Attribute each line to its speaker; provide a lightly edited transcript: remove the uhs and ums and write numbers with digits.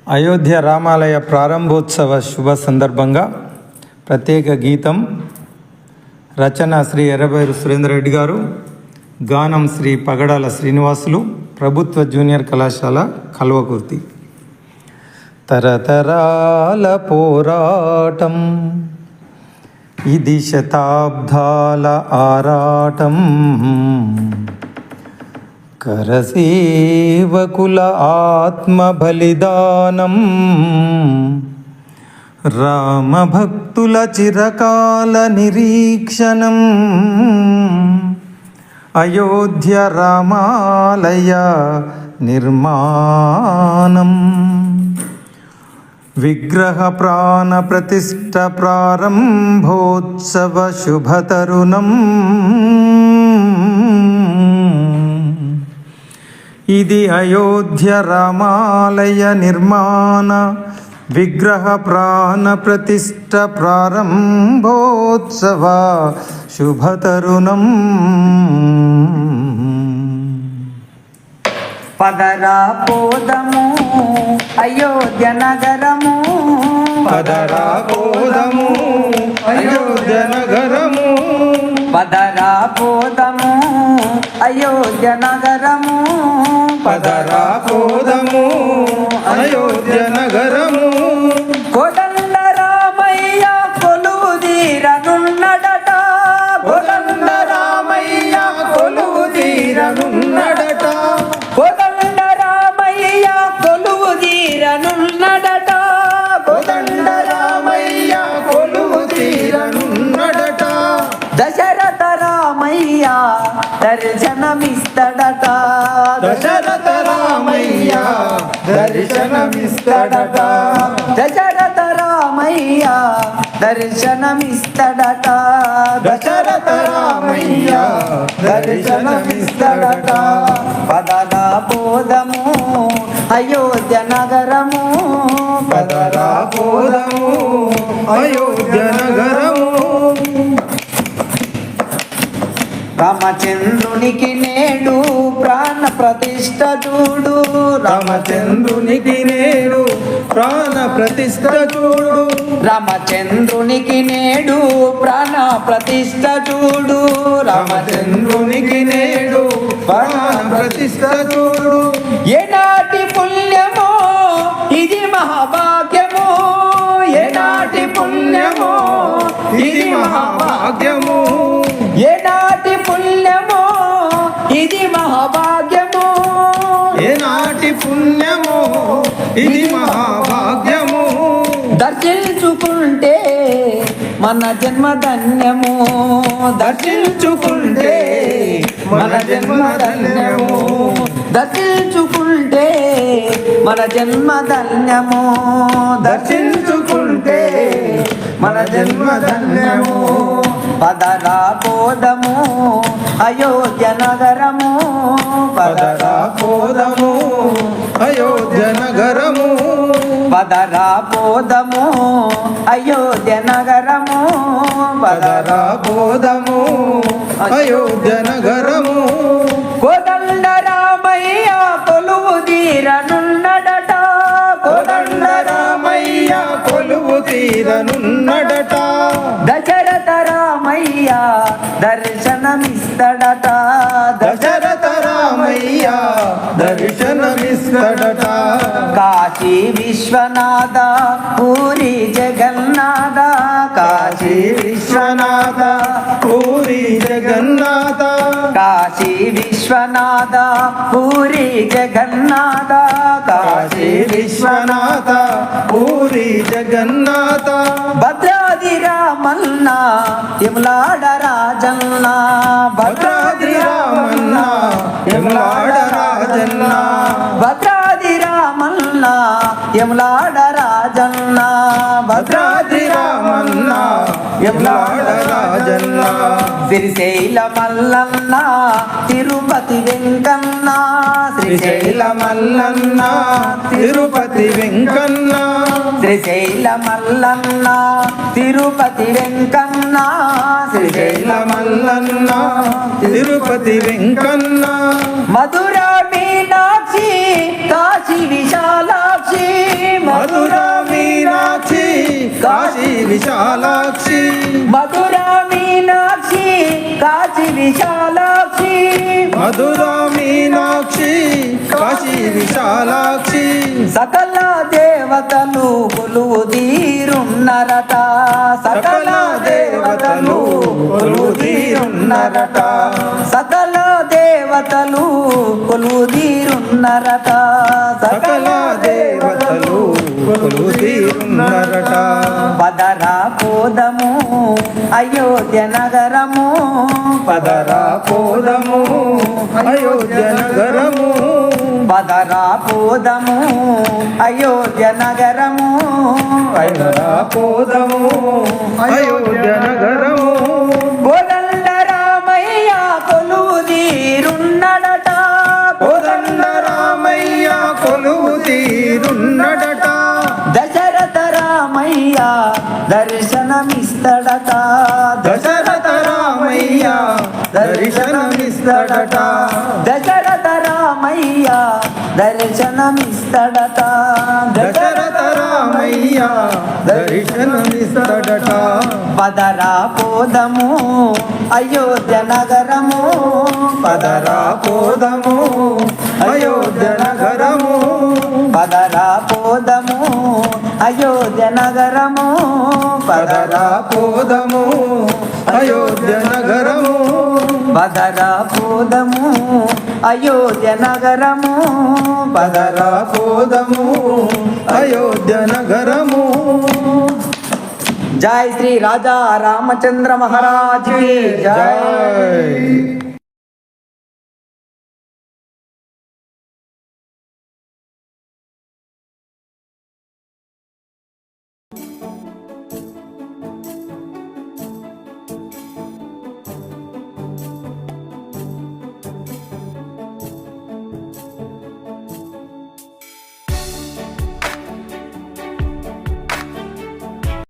Speaker 1: అయోధ్య రామాలయ ప్రారంభోత్సవ శుభ సందర్భంగా ప్రత్యేక గీతం. రచన శ్రీ ఎర్రబైరు సురేందర్ రెడ్డి గారు. గానం శ్రీ పగడాల శ్రీనివాసులు, ప్రభుత్వ జూనియర్ కళాశాల కల్వకుర్తి. తరతరాల పోరాటం, ఇది శతాబ్దాల ఆరాటం. కరసేవకుల ఆత్మ బలిదానం, రామభక్తుల చిరకాల నిరీక్షణం. అయోధ్య రామాలయ నిర్మాణం, విగ్రహ ప్రాణ ప్రతిష్ఠ ప్రారంభోత్సవ శుభతరుణం. ఇది అయోధ్య రామాలయ నిర్మాణ విగ్రహ ప్రాణ ప్రతిష్ఠ ప్రారంభోత్సవ శుభతరుణం.
Speaker 2: పదరా పోదము అయోధ్య నగరము,
Speaker 1: పదరా పోదము అయోధ్య నగరము,
Speaker 2: పదరా పోదము అయోధ్య నగరము,
Speaker 1: పదరా పోదము అయోధ్య నగరము.
Speaker 2: కోదండ రామయ్య కొలువుదీరనున్నడట,
Speaker 1: కోదండ రామయ్య కొలువుదీరనున్నడట,
Speaker 2: కోదండ రామయ్య కొలువుదీరనున్నడట,
Speaker 1: కోదండ రామయ్య కొలువుదీరనున్నడట.
Speaker 2: దశరథ రామయ్య దర్శనమిస్తడట,
Speaker 1: దశరథ రామయ్య దర్శనమిస్తడట,
Speaker 2: దశరథ రామయ్య దర్శనమిస్తడట,
Speaker 1: దశరథ రామయ్య దర్శనమిస్తడట.
Speaker 2: పదరా పోదము అయోధ్య నగరము,
Speaker 1: పదరా పోదము అయోధ్య నగరము.
Speaker 2: రామచంద్రునికి నేడు ప్రాణ ప్రతిష్ఠ చూడు,
Speaker 1: రామచంద్రునికి నేడు ప్రాణ ప్రతిష్ఠ చూడు,
Speaker 2: రామచంద్రునికి నేడు ప్రాణ ప్రతిష్ఠ చూడు,
Speaker 1: రామచంద్రునికి నేడు ప్రాణ ప్రతిష్ఠ చూడు.
Speaker 2: ఏనాటి పుణ్యమో ఇది మహాభాగ్యము, ఏనాటి పుణ్యమో ఇది మహాభాగ్యము, ఏనాటి పుణ్యమో ఇది మహాభాగ్యము,
Speaker 1: ఏనాటి పుణ్యమో ఇది మహాభాగ్యము.
Speaker 2: దర్శించుకుంటే మన జన్మ ధన్యము,
Speaker 1: దర్శించుకుంటే మన జన్మ ధన్యము,
Speaker 2: దర్శించుకుంటే మన జన్మ ధన్యము,
Speaker 1: దర్శించుకుంటే మన జన్మ ధన్యము.
Speaker 2: పదరా పోదము అయోధ్య నగరము,
Speaker 1: పదరా పోదము అయోధ్య నగరము,
Speaker 2: పదరా పోదము అయోధ్య నగరము,
Speaker 1: పదరా పోదము అయోధ్య నగరము.
Speaker 2: కోదండ రామయ్య కొలువుదీరనున్నడట,
Speaker 1: కోదండ రామయ్య కొలువుదీరనున్నడట,
Speaker 2: దశరథ రామయ్య దర్శనమిస్తడట,
Speaker 1: దశరథ రామయ్య దర్శనమిస్తడట.
Speaker 2: కాశీ విశ్వనాథ పూరి జగన్నాథ,
Speaker 1: కాశీ విశ్వనాథ పూరి జగన్నాథ,
Speaker 2: కాశీ విశ్వనాథ పూరి జగన్నాథ,
Speaker 1: కాశీ విశ్వనాథ పూరి జగన్నాథ.
Speaker 2: భద్రాద్రి రామన్న యములాడ రాజన్న,
Speaker 1: భద్రాద్రి రామన్న యములాడ రాజన్న,
Speaker 2: భద్రాద్రి రామన్న యములాడ రాజన్న,
Speaker 1: భద్రాద్రి రామన్న యములాడ రాజన్న.
Speaker 2: శ్రీశైల మల్లన్న తిరుపతి వెంకన్న,
Speaker 1: శ్రీశైల మల్లన్న తిరుపతి వెంకన్న,
Speaker 2: శ్రీశైల మల్లన్న తిరుపతి వెంకన్న,
Speaker 1: శ్రీశైల మల్లన్న తిరుపతి వెంకన్న.
Speaker 2: మధుర మీనాక్షి కాశీ విశాలాక్షి,
Speaker 1: కాశీ విశాలాక్షి
Speaker 2: మధురా మీనాక్షి కాశీ విశాలాక్షి
Speaker 1: మధురా మీనాక్షి కాశీ విశాలాక్షి
Speaker 2: సకల దేవతలు కొలువు తీరున్నరట
Speaker 1: సకల దేవతలు కొలువు తీరున్నరట
Speaker 2: సకల దేవతలు కొలువు తీరున్నరట
Speaker 1: సకల దేవతలు కొలువు తీరున్నరట
Speaker 2: పదరా పోదము అయోధ్య నగరము
Speaker 1: పదరా పోదము అయోధ్య నగరము
Speaker 2: పదరా పోదము అయోధ్య నగరము
Speaker 1: పదరా పోదము అయోధ్య నగరము
Speaker 2: కోదండ రామయ్య కొలువు తీరున్నడట
Speaker 1: కోదండ రామయ్య కొలువు తీరున్నడట
Speaker 2: దశరథ రామయ్య దర్శనమిస్తడట
Speaker 1: దశరథ రామయ్య దర్శనమిస్తడట
Speaker 2: దశరథ రామయ్య దర్శనమిస్తడట
Speaker 1: దశరథ రామయ్య దర్శనమిస్తడట
Speaker 2: పదరా పోదము అయోధ్య నగరము
Speaker 1: పదరా పోదము అయోధ్య నగరము
Speaker 2: పదరా పోదము అయోధ్య నగరము
Speaker 1: పదరా పోదము అయోధ్య నగరము
Speaker 2: పదరా పోదము అయోధ్య నగరము
Speaker 1: పదరా పోదము అయోధ్య నగరము
Speaker 2: జై శ్రీ రాజా రామచంద్ర మహారాజ్ కి జై.
Speaker 1: జై